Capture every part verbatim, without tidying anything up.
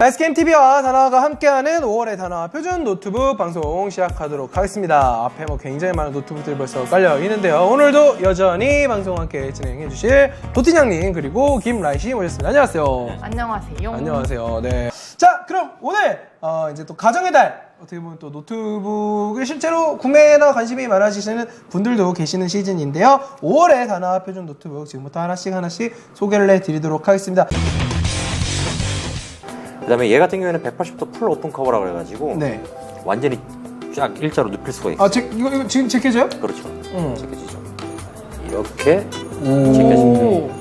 나이스게임티비와 다나와가 함께하는 오월의 다나와 표준 노트북 방송 시작하도록 하겠습니다. 앞에 뭐 굉장히 많은 노트북들이 벌써 깔려 있는데요. 오늘도 여전히 방송 함께 진행해 주실 도티냥님 그리고 김라이씨 모셨습니다. 안녕하세요. 안녕하세요. 안녕하세요. 네. 자, 그럼 오늘 어, 이제 또 가정의 달 어떻게 보면 또 노트북을 실제로 구매나 관심이 많아지시는 분들도 계시는 시즌인데요. 오월의 다나와 표준 노트북 지금부터 하나씩 하나씩 소개를 해드리도록 하겠습니다. 그 다음에 얘 같은 경우에는 백팔십 도 풀 오픈 커버라고 해가지고 네. 완전히 쫙 일자로 눕힐 수가 있어요. 아, 제, 이거, 이거 지금 제껴져요? 그렇죠. 응. 제껴지죠. 이렇게 오. 제껴집니다.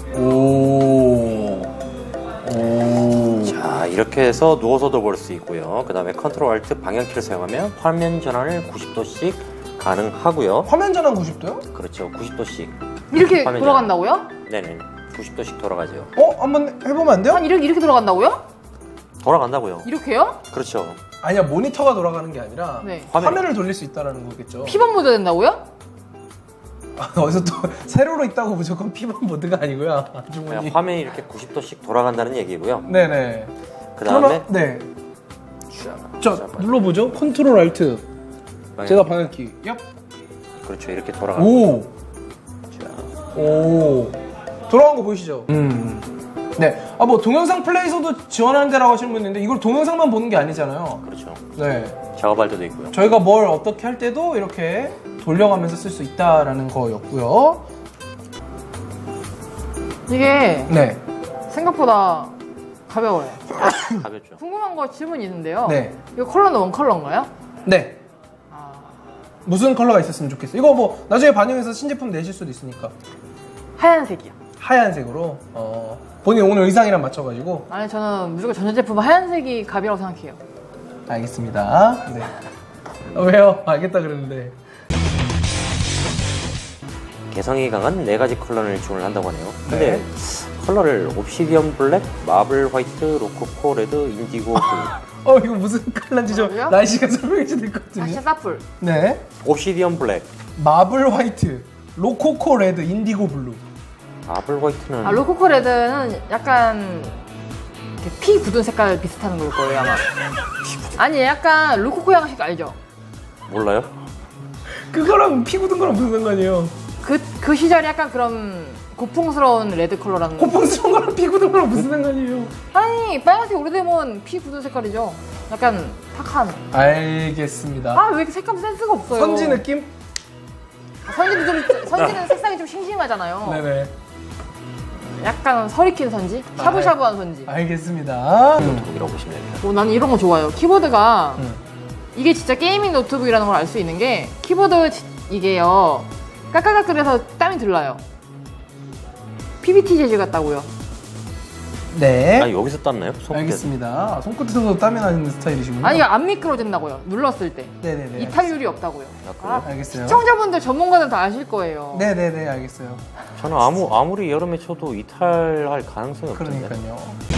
오. 오. 자, 이렇게 해서 누워서도 볼 수 있고요. 그 다음에 컨트롤 알트 방향키를 사용하면 화면 전환을 구십 도씩 가능하고요. 화면 전환 구십 도요? 그렇죠. 구십 도씩. 이렇게 화면 돌아간다고요? 네네. 구십 도씩 돌아가죠. 어? 한번 해보면 안 돼요? 아니 이렇게 이렇게 돌아간다고요? 돌아간다고요. 이렇게요? 그렇죠. 아니야, 모니터가 돌아가는 게 아니라 네. 화면. 화면을 돌릴 수 있다는 거겠죠. 피벗 모드 된다고요? 아, 어디서 또 세로로 있다고 무조건 피벗 모드가 아니고요. 그냥 주머니. 화면이 이렇게 구십 도씩 돌아간다는 얘기고요. 네네. 그 다음에 그러면, 네. 저 눌러보죠. 컨트롤 알트. 제가 방향키. 얍. 그렇죠. 이렇게 돌아가. 오. 자, 오. 돌아간 거 보이시죠? 음. 네. 아, 뭐 동영상 플레이서도 지원하는 데라고 하시는 분 있는데 이걸 동영상만 보는 게 아니잖아요. 그렇죠. 네. 작업할 때도 있고요. 저희가 뭘 어떻게 할 때도 이렇게 돌려가면서 쓸 수 있다라는 거였고요. 이게 네. 생각보다 가벼워요. 가볍죠. 궁금한 거 질문이 있는데요. 네. 이거 컬러는 원 컬러인가요? 네. 아, 무슨 컬러가 있었으면 좋겠어요. 이거 뭐 나중에 반영해서 신제품 내실 수도 있으니까. 하얀색이요. 하얀색으로. 어. 본인 오늘 의상이랑 맞춰가지고. 아니 저는 무조건 전자제품 하얀색이 갑이라고 생각해요. 알겠습니다. 네. 아, 왜요? 알겠다 그랬는데. 개성이 강한 네 가지 컬러를 지원을 한다고 하네요. 근데 네. 컬러를 옵시디언 블랙, 마블 화이트, 로코코 레드, 인디고 블루. 어, 이거 무슨 컬러인지 좀 뭐라고요? 라이씨가 설명해 주실 것 같은데. 다시 사풀. 네. 옵시디언 블랙, 마블 화이트, 로코코 레드, 인디고 블루. 마블 화이트는 아 로코코 레드는 약간 이렇게 피 굳은 색깔 비슷한 걸 거예요 아마. 아니 약간 로코코 양식 알죠? 몰라요? 그거랑 피 굳은 거랑 무슨 상관이에요? 그, 그 시절이 약간 그런 고풍스러운 레드 컬러라는 거. 고풍스러운 거랑 피 굳은 거랑 무슨 상관이에요? 아니 빨간색 오래되면 피 굳은 색깔이죠. 약간 탁한. 알겠습니다. 아 왜 이렇게 색감 센스가 없어요? 선지 느낌? 아, 선지도 좀 선지는 색상이 좀 싱싱하잖아요. 네네. 약간 서리킨 선지, 샤브샤브한 선지. 알겠습니다. 노트북이라고 보시면 됩니다. 어, 나는 이런 거 좋아요. 키보드가 음. 이게 진짜 게이밍 노트북이라는 걸 알 수 있는 게 키보드 지- 이게요 까까까끌해서 땀이 들러요. 피비티 재질 같다고요. 네. 아 여기서 땄나요? 손끝. 알겠습니다. 아, 손끝에서도 땀이 나는 스타일이시군요. 아니 이거 안 미끄러진다고요. 눌렀을 때 네네네. 이탈률이 없다고요. 아, 알겠어요. 시청자분들 전문가는 다 아실 거예요. 네네네, 알겠어요. 저는 아무 아무리 여름에 쳐도 이탈할 가능성이 없던데. 그러니까요.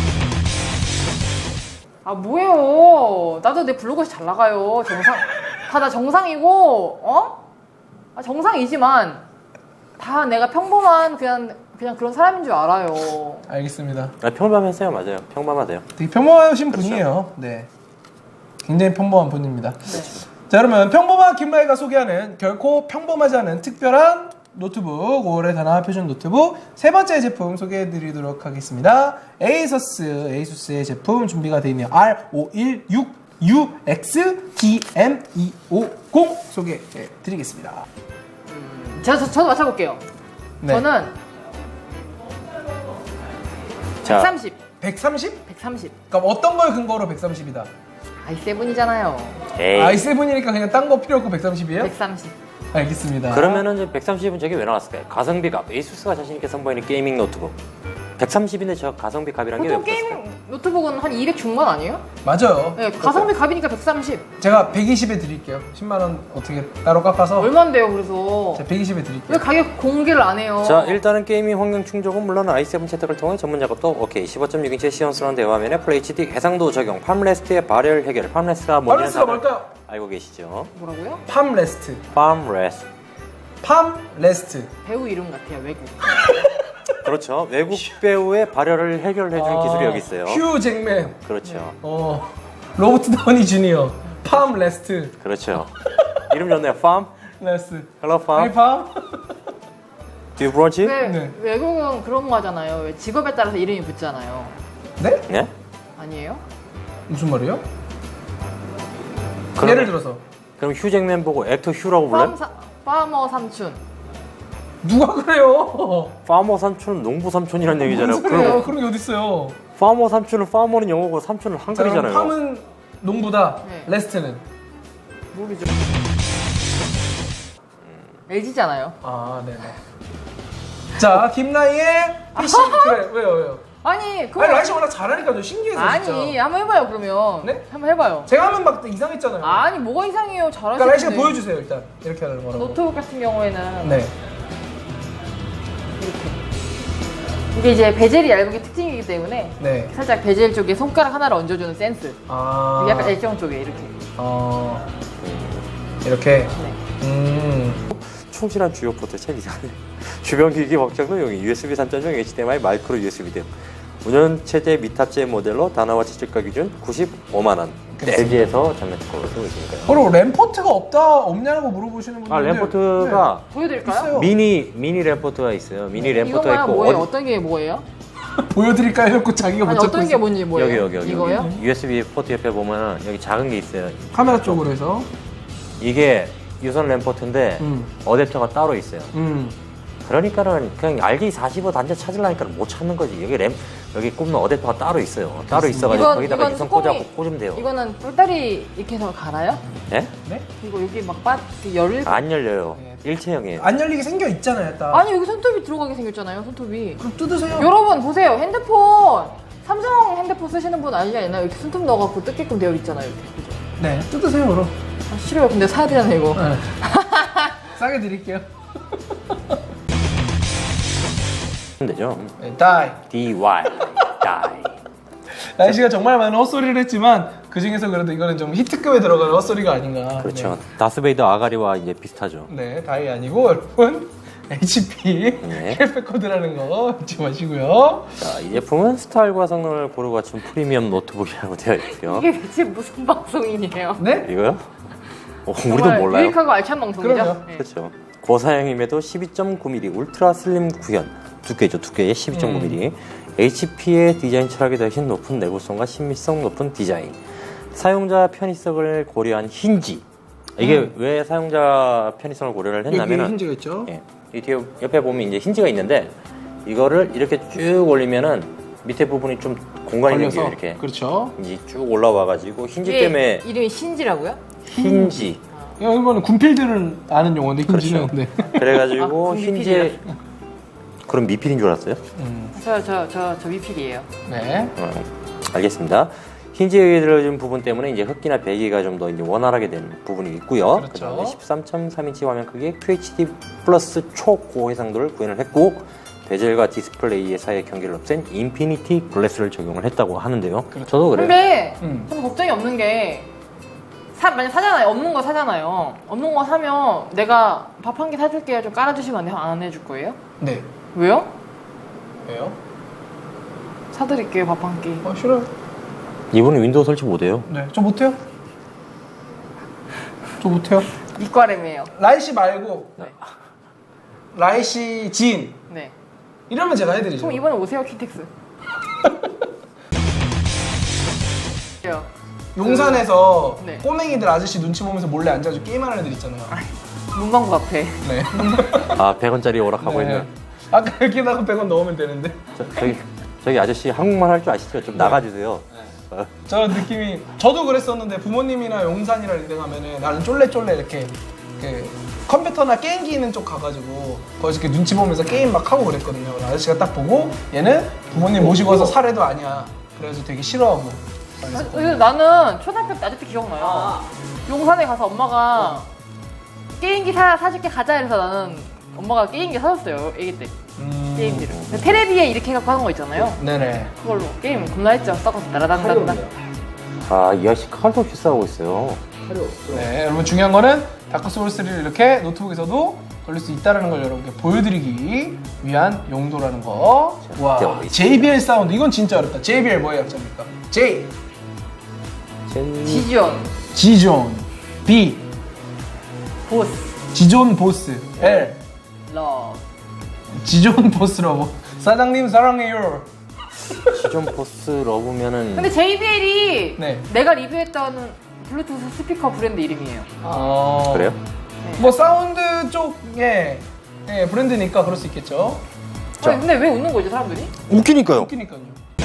아 뭐예요? 나도 내 블로그에서 잘 나가요. 정상 다 나 정상이고 어? 아, 정상이지만 다 내가 평범한 그냥 그냥 그런 사람인 줄 알아요. 알겠습니다. 아, 평범하세요, 맞아요. 평범하세요. 되게 평범하신 그렇죠. 분이에요. 네. 굉장히 평범한 분입니다. 네. 자, 그러면 평범한 김라이가 소개하는 결코 평범하지 않은 특별한 노트북, 오월의 다나와 표준 노트북 세 번째 제품 소개해드리도록 하겠습니다. 에이서스, 에이수스의 제품 준비가 되어 있네요. 알 오백십육 유 엑스 디 엠 이백오십 소개해드리겠습니다. 저, 저, 저도 맞춰볼게요. 네. 저는 자, 백삼십. 백삼십? 백삼십. 그럼 어떤 걸 근거로 백삼십이다? 아이 세븐이잖아요. 에이. 아이 세븐이니까 그냥 딴 거 필요 없고 백삼십이에요? 백삼십. 알겠습니다. 그러면은 이제 백삼십은 저게 왜 나왔을까요? 가성비 값. 에이수스가 자신 있게 선보이는 게이밍 노트북. 백삼십인데 저 가성비 값이란 게 왜 보통 없었을까요? 게임 노트북은 한 이백 중반 아니에요? 맞아요. 네, 가성비 값이니까 백삼십. 제가 백이십에 드릴게요. 십만 원 어떻게 따로 깎아서 얼만데요, 그래서? 제가 백이십에 드릴게요. 왜 가격 공개를 안 해요? 자, 일단은 게이밍 환경 충족은 물론 아이 세븐 채택을 통해 전문 작업도 오케이. 십오 점 육 인치의 시원스러운 대화면에 풀에이치디 해상도 적용, 팜레스트의 발열 해결. 팜레스트가 뭔지는 팜레스트가 다들 뭘까요? 알고 계시죠? 뭐라고요? 팜레스트. 팜레스트. 팜레스트. 배우 이름 같아요, 외국. 그렇죠. 외국 배우의 발열을 해결해주는 아, 기술이 여기 있어요. 휴 잭맨. 그렇죠. 어. 로버트 다우니 주니어. 팜 레스트. 그렇죠. 이름 좋네요. 팜. 레스트. Hello, 아니 팜. 팜? Do you brunch? 왜 네. 외국은 그런 거 하잖아요. 왜 직업에 따라서 이름이 붙잖아요. 네? 네? 아니에요? 무슨 말이에요? 그럼- 예를 들어서 그럼 휴잭맨 보고 액터 휴라고 불러요? 팜 사, 파머 삼촌. 누가 그래요? 파머 삼촌은 농부 삼촌이라는 얘기잖아요. 무슨 소리예요? 그럼 그런 게 어딨어요? 파머 삼촌은 파머는 영어고 삼촌은 자, 그럼 한글이잖아요. 팜은 농부다. 네. 레스트는? 모르죠. 엘지잖아요. 아, 네네. 자, 김라이의 피싱. 그래, 왜요, 왜요? 아니 그거 아니, 라이씨 워낙 잘하니까요. 신기해서 아니 진짜. 한번 해봐요 그러면. 네? 한번 해봐요. 제가 하면 막 이상했잖아요. 아니 뭐가 이상해요. 그러니까 잘하시는데. 라이씨가 보여주세요, 일단. 이렇게 하는 거라고. 노트북 같은 경우에는 네. 이렇게. 이게 이제 베젤이 얇은 게 특징이기 때문에 네. 살짝 베젤 쪽에 손가락 하나를 얹어주는 센스. 아. 약간 액정 쪽에 이렇게. 어. 이렇게. 네. 음. 충실한 주요 포트 책 이상해. 주변 기기 확장도 여기 유에스비 삼 점 영 에이치디엠아이 마이크로 유에스비 등 운영 체제 미탑재 모델로 단화와 지출가 기준 구십오만 원. 엘지에서 전면 특허를 쓰고 있으니까요. 서로 램포트가 없다 없냐고 물어보시는 분들. 아 램포트가 보여드릴까요? 있어요. 미니 미니 램포트가 있어요. 미니 램포트가 이거만 있고 뭐예요? 어디- 어떤 게 뭐예요? 보여드릴까요? 해놓고 자기가 못 아니 찾고 어떤 게 있어. 뭔지 뭐예요? 여기 여기 여기 이거요? 여기. 유에스비 포트 옆에 보면 여기 작은 게 있어요. 카메라 쪽으로 해서. 이게 유선 램포트인데 음. 어댑터가 따로 있어요. 음. 그러니까는 그냥 알디 사십오 단자 찾으려니까 못 찾는 거지. 여기 램 여기 꼽는 어댑터가 따로 있어요. 따로 있어가지고 이건- 거기다가 이건 유선 뚜껑이- 꽂아고 꽂으면 돼요. 이거는 배터리 이렇게 해서 갈아요? 네? 네? 이거 여기 막 빠, 열. 안 열려요. 네. 일체형이에요. 안 열리게 생겨 있잖아요, 딱. 아니 여기 손톱이 들어가게 생겼잖아요. 손톱이. 그럼 뜯으세요. 여러분 보세요. 핸드폰 삼성 핸드폰 쓰시는 분 알지 않나요? 이렇게 손톱 넣어갖고 뜯게끔 되어 있잖아요. 이렇게. 그죠? 네, 뜯으세요, 그럼. 아, 싫어요. 근데 사야 되잖아요 이거. 네. 싸게 드릴게요. 되죠. 네, 다이. dy die. 라이씨가 정말 많은 헛소리를 했지만 그 중에서 그래도 이거는 좀 히트급에 들어가는 헛소리가 아닌가. 그렇죠. 다스베이더 아가리와 이제 비슷하죠. 네, 네 다이 아니고 여러분 에이치피 네. 헬패코드라는 거 잊지 마시고요. 자, 이 제품은 스타일과 성능을 고루 갖춘 프리미엄 노트북이라고 되어 있고요. 이게 대체 무슨 방송이에요? 네? 이거요? 어, 우리도 정말 몰라요. 유익하고 알찬 방송이죠. 그럼요. 네. 그렇죠. 고사양임에도 십이 점 구 밀리미터 울트라 슬림 구현 두께죠. 두께의 십이 점 구 밀리미터. 에이치피의 디자인 철학이 더신 높은 내구성과 신미성 높은 디자인. 사용자 편의성을 고려한 힌지. 이게 음. 왜 사용자 편의성을 고려를 여기 했냐면은 힌지가 있죠. 예, 이 뒤에 옆에 보면 이제 힌지가 있는데 이거를 이렇게 쭉 올리면은 밑에 부분이 좀 공간이 생겨요. 이렇게 그렇죠. 이제 쭉 올라와가지고 힌지 이게 때문에 이름이 신지라고요? 힌지. 이거는 군필들은 아는 용어인데 힌지는 그렇죠. 네. 그래가지고 아, 힌지에 그럼 미필인 줄 알았어요? 음, 저 저 저 저 위필이에요. 네. 어, 알겠습니다. 힌지에 들어준 부분 때문에 이제 흡기나 배기가 좀 더 이제 원활하게 된 부분이 있고요. 그렇죠. 그다음에 십삼 점 삼 인치 화면 크기의 큐에이치디 플러스 초고해상도를 구현을 했고 베젤과 디스플레이의 사이의 경계를 없앤 인피니티 글래스를 적용을 했다고 하는데요. 그렇죠. 저도 그래요. 근데 음. 저는 걱정이 없는 게 사, 만약 사잖아요. 없는 거 사잖아요. 없는 거 사면 내가 밥 한 개 사줄게요. 좀 깔아주시면 안 돼요? 안 해줄 거예요? 네. 왜요? 왜요? 사드릴게요. 밥 한 끼. 어, 싫어요. 이분은 윈도우 설치 못해요. 네, 저 못해요. 저 못해요. 이과램이에요. 라이씨 말고 네. 라이씨 지인 네. 이러면 제가 해드리죠. 그럼 이번에 오세요. 키텍스. 요. 용산에서 네. 꼬맹이들 아저씨 눈치 보면서 몰래 앉아가지고 게임하는 애들 있잖아요. 문방구 앞에. 네. 아 백 원짜리 오락하고 네. 있는 아까 여기다가 백 원 넣으면 되는데. 저, 저기 저기 아저씨 한국말 할 줄 아시죠? 좀 나가주세요. 어. 저런 느낌이 저도 그랬었는데 부모님이나 용산이나 이런 데 가면은 나는 쫄래쫄래 이렇게 그 컴퓨터나 게임기 있는 쪽 가가지고 거기서 이렇게 눈치 보면서 게임 막 하고 그랬거든요. 아저씨가 딱 보고 얘는 부모님 모시고 와서 사례도 아니야. 그래서 되게 싫어하고. 아, 근데 나는 초등학교 때 아직도 기억나요. 용산에 가서 엄마가 게임기 사, 사줄게 가자 이래서 나는 엄마가 게임기 사줬어요. 애기 때. 음... 게임기를. 테레비에 이렇게 해갖고 하는 거 있잖아요. 네네. 그걸로 게임 겁나 했죠. 썩어서 날아다닌다. 아이 아저씨 칼도 없이 싸우고 있어요. 네, 여러분 중요한 거는 다크 소울 쓰리를 이렇게 노트북에서도 걸릴 수 있다는 걸 여러분께 보여드리기 위한 용도라는 거. 와, 대박이다. 제이비엘 사운드. 이건 진짜 어렵다. 제이비엘 뭐의 약자입니까? J, 젠... 지존, 지존. B, 보스, 지존 보스. L, 러브. 지존 보스 러버. 사장님 사랑해요. 시존 포스 러브면은 근데 제이비엘이 네. 내가 리뷰했던 블루투스 스피커 브랜드 이름이에요. 아, 그래요? 뭐 사운드 쪽의 예, 브랜드니까 그럴 수 있겠죠. 아니, 근데 왜 웃는 거지 사람들이? 웃기니까요. 웃기니까요.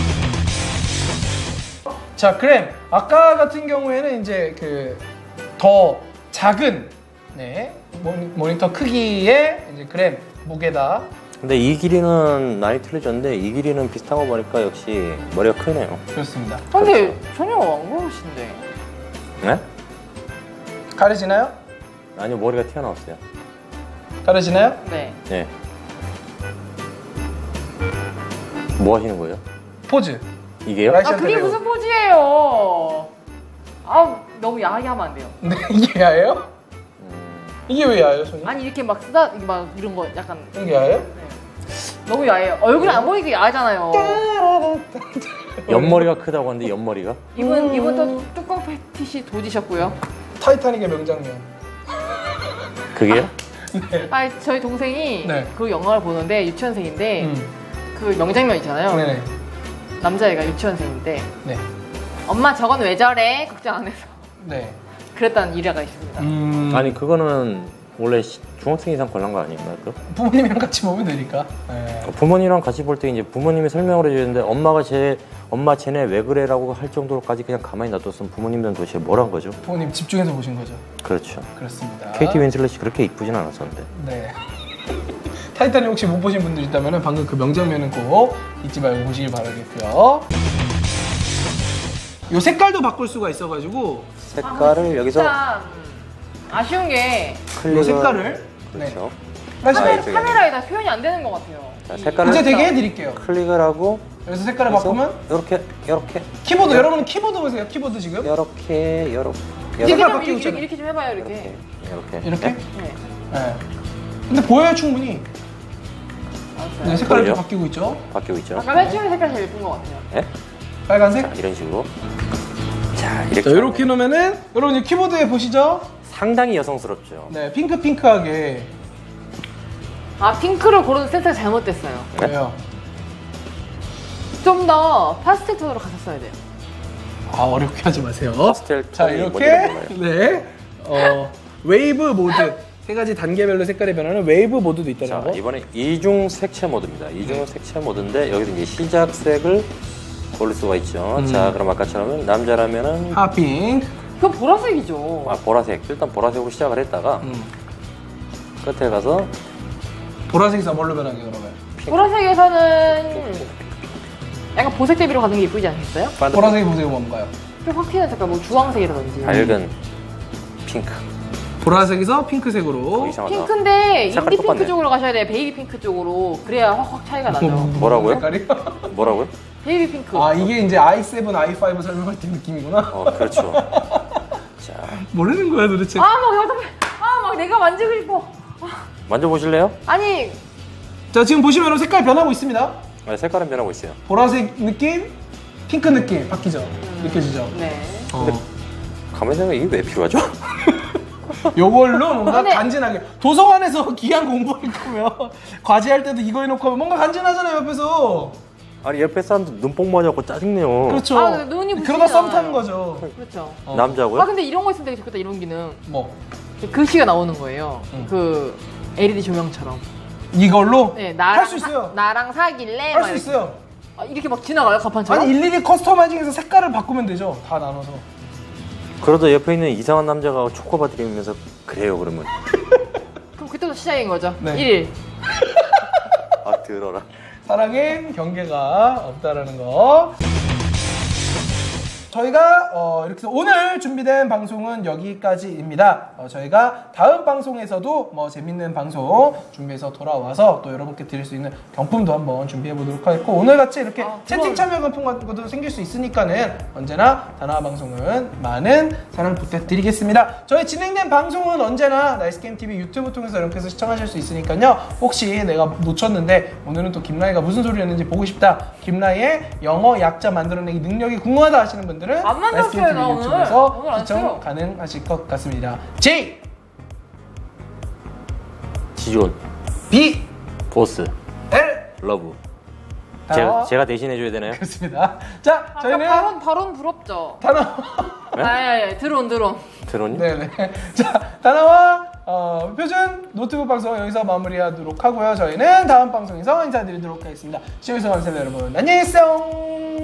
자, 그램. 아까 같은 경우에는 이제 그 더 작은 네 모니, 모니터 크기의 이제 그램 무게다. 근데 이 길이는 많이 틀려졌는데 이 길이는 비슷한 거 보니까 역시 머리가 크네요. 그렇습니다. 근데 전혀 안 그러신데. 네? 가려지나요? 아니요, 머리가 튀어나왔어요. 가려지나요? 네. 네. 뭐 하시는 거예요? 포즈. 이게요? 라이션 아 그게 테레오. 무슨 포즈예요? 아 너무 야하게 하면 안 돼요. 네, 이게 야예요? 음, 이게 왜 야예요, 손이? 아니 이렇게 막 쓰다 이게 막 이런 거 약간 이게 야예요? 너무 야해요. 얼굴 안 보이게 야하잖아요. 옆머리가 크다고 하는데 옆머리가? 이분 이분 또 뚜껑 패티시 도지셨고요. 타이타닉의 명장면. 그게요? 네. 아 저희 동생이 네. 그 영화를 보는데 유치원생인데 음. 그 명장면 있잖아요. 네네. 남자애가 유치원생인데 네. 엄마 저건 왜 저래? 걱정 안 해서 네. 그랬다는 일화가 있습니다. 음. 아니 그거는 원래 시- 중학생 이상 관람 거 아닌가요? 그? 부모님이랑 같이 보면 되니까. 네. 부모님이랑 같이 볼 때 이제 부모님이 설명을 해주는데 엄마가 제 엄마 쟤네 왜 그래라고 할 정도로까지 그냥 가만히 놔뒀으면 부모님들은 도대체 뭘 한 거죠? 부모님 집중해서 보신 거죠. 그렇죠. 그렇습니다. 케이티 윈슬렛이 그렇게 이쁘진 않았었는데. 네. 타이타닉 혹시 못 보신 분들 있다면 방금 그 명장면은 꼭 잊지 말고 보시길 바라겠고요. 요 색깔도 바꿀 수가 있어가지고 색깔을 여기서 진짜 아쉬운 게 요 클릭을 색깔을 그렇죠. 네. 카메, 이쪽에 카메라에 다 표현이 안 되는 것 같아요. 자, 이- 색깔을 이제 되게 해드릴게요. 클릭을 하고 그래서 색깔을 바꾸면 이렇게 이렇게 키보드 여러분 키보드 보세요. 키보드 지금 이렇게 이렇게 이렇게 색깔 좀 바뀌고 이렇게, 있잖아요. 이렇게 좀 해봐요 이렇게. 이렇게 이렇게 이렇게. 네. 네. 근데 보여요 충분히. 알았어요. 네, 색깔이 좀 보이죠? 바뀌고 있죠. 바뀌고 있죠. 아까 맨 처음에 색깔 제일 예쁜 것 같아요. 네? 빨간색. 자, 이런 식으로 자 이렇게 자, 이렇게 놓으면은 여러분 이 키보드에 보시죠. 상당히 여성스럽죠. 네, 핑크 핑크하게. 아 핑크를 고르는 센스가 잘못됐어요. 네? 왜요? 좀 더 파스텔 톤으로 갔었어야 돼요. 아 어렵게 하지 마세요. 파스텔 자 톤이 이렇게 뭔지는 네 어, 웨이브 모드 세 가지 단계별로 색깔이 변하는 웨이브 모드도 있다는 자 거. 이번에 이중 색채 모드입니다. 이중 색채 모드인데 여기서 이제 시작색을 고를 수가 있죠. 음. 자 그럼 아까처럼 남자라면은 핫핑크. 그건 보라색이죠. 아, 보라색 일단 보라색으로 시작을 했다가 음. 끝에 가서 보라색에서 뭘로 변하게 그러면? 보라색에서는 약간 보색 대비로 가는 게 이쁘지 않겠어요? 반대 보라색이 보세요 뭔가요? 좀 확 튀는 색깔, 뭐 주황색이라든지. 밝은 핑크 보라색에서 핑크색으로. 어, 이상하다. 핑크인데 색깔 인디 똑같네. 핑크 쪽으로 가셔야 돼요. 베이비 핑크 쪽으로. 그래야 확확 차이가 나죠. 뭐라고요? 색깔이? 뭐라고요? 베이비 핑크. 아 이게 이제 아이 세븐, 아이 파이브 설명할 때 느낌이구나. 어 그렇죠. 자 모르는 거야 도대체. 아, 막 어떡해. 아, 막 내가 만지고 싶어. 만져보실래요? 아니, 자 지금 보시면 색깔 변하고 있습니다. 네, 색깔은 변하고 있어요. 보라색 느낌, 핑크 느낌 바뀌죠. 느껴지죠? 네. 어. 가만히 생각해 이게 왜 필요하죠? 요걸로 뭔가 근데- 간지나게 도서관에서 기한 공부할 거면 과제할 때도 이거 해놓고 하면 뭔가 간지나잖아요 옆에서. 아니 옆에 사람들 눈뽕 맞아갖고 짜증내요. 그렇죠. 아, 눈이 그러다 썸 부시잖아요. 타는 거죠. 그렇죠. 어. 남자고요? 아, 근데 이런 거 있으면 되게 좋겠다, 이런 기능. 뭐 글씨가 나오는 거예요. 응. 그 엘이디 조명처럼. 이걸로 네, 나랑 할 수 있어요. 사, 나랑 사귈래? 할 막 수 이렇게. 있어요. 아, 이렇게 막 지나가요, 가판처럼? 아니 일일이 커스터마이징해서 색깔을 바꾸면 되죠. 다 나눠서. 그러다 옆에 있는 이상한 남자가 초코바 드리면서 그래요 그러면 그럼 그때부터 시작인 거죠. 네. 일. 아 들어라. 사랑엔 경계가 없다라는 거. 저희가 어, 이렇게 해서 오늘 준비된 방송은 여기까지입니다. 어, 저희가 다음 방송에서도 뭐 재밌는 방송 준비해서 돌아와서 또 여러분께 드릴 수 있는 경품도 한번 준비해 보도록 하겠고, 오늘 같이 이렇게 아, 채팅 참여 같은 것도 생길 수 있으니까는 언제나 다나와 방송은 많은 사랑 부탁드리겠습니다. 저희 진행된 방송은 언제나 나이스게임티비 유튜브 통해서 이렇게 해서 시청하실 수 있으니까요. 혹시 내가 놓쳤는데 오늘은 또 김라이가 무슨 소리를 했는지 보고 싶다, 김라이의 영어 약자 만들어내기 능력이 궁금하다 하시는 분들은 안 만들었어요, 나 오늘. 유튜브에서 오늘 안 시청 했어요. 가능하실 것 같습니다. J, 지존, B, 보스, L. 러브. 다나와- 제가, 제가 대신해줘야 되나요? 그렇습니다. 자, 아까 저희는 발언 발언 부럽죠. 다나 네? 아예 드론 드론. 드론요? 네네. 자, 다나와 어, 표준 노트북 방송 여기서 마무리하도록 하고요. 저희는 다음 방송에서 인사드리도록 하겠습니다. 시청해주셔서 감사합니다, 여러분. 안녕히 계세요.